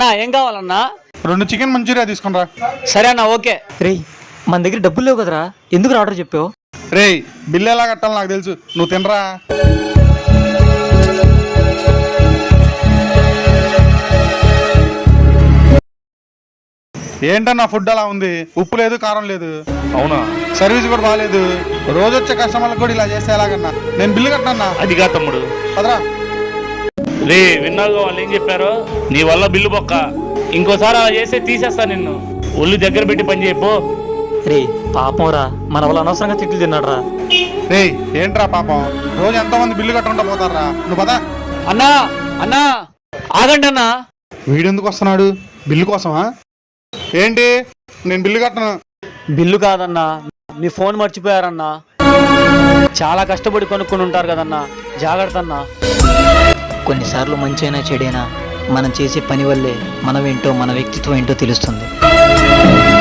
ఏం కావాలన్నా? 2 chicken Manchuria తీసుకుని రా. సరే అన్న, ఓకే. రేయ్, మన దగ్గర డబ్బులు లేవు కదరా, ఎందుకు ఆర్డర్ చెప్పావు? రేయ్, బిల్లు ఎలా కట్టాలో నాకు తెలుసు, నువ్వు తినరా. ఏంటన్నా ఫుడ్ అలా ఉంది, ఉప్పు లేదు కారం లేదు. అవునా? సర్వీస్ కూడా బాగాలేదు. రోజు వచ్చే కస్టమర్లకు కూడా ఇలా చేస్తే ఎలాగన్నా? నేను బిల్లు కట్టనన్నా. అదిగా తమ్ముడు. పదరా. రే, విన్నాగా వాళ్ళు ఏం చెప్పారో? నీ వల్ల బిల్లు బొక్క. ఇంకోసారి అలా చేస్తే తీసేస్తా నిన్ను. ఒళ్ళు దగ్గర పెట్టి పని చేయపో. రే పాపం రా, మన వాళ్ళు అనవసరంగా తిట్లు తిన్నాడు రా. రేయ్, ఏంట్రా పాపం, రోజు ఎంతమంది బిల్లు కట్టకుండా పోతారా? నువ్వు పదా. అన్నా అన్నా, ఆగండి అన్నా. వీడెందుకు వస్తున్నాడు? బిల్లు కోసమా? ఏంటి? నేను బిల్లు కట్టను. బిల్లు కాదన్నా, మీ ఫోన్ మర్చిపోయారన్నా. చాలా కష్టపడి కొనుక్కొని ఉంటారు కదన్నా, జాగ్రత్త అన్నా. కొన్నిసార్లు మంచైనా చెడైనా మనం చేసే పని వల్లే మనమేంటో, మన వ్యక్తిత్వం ఏంటో తెలుస్తుంది.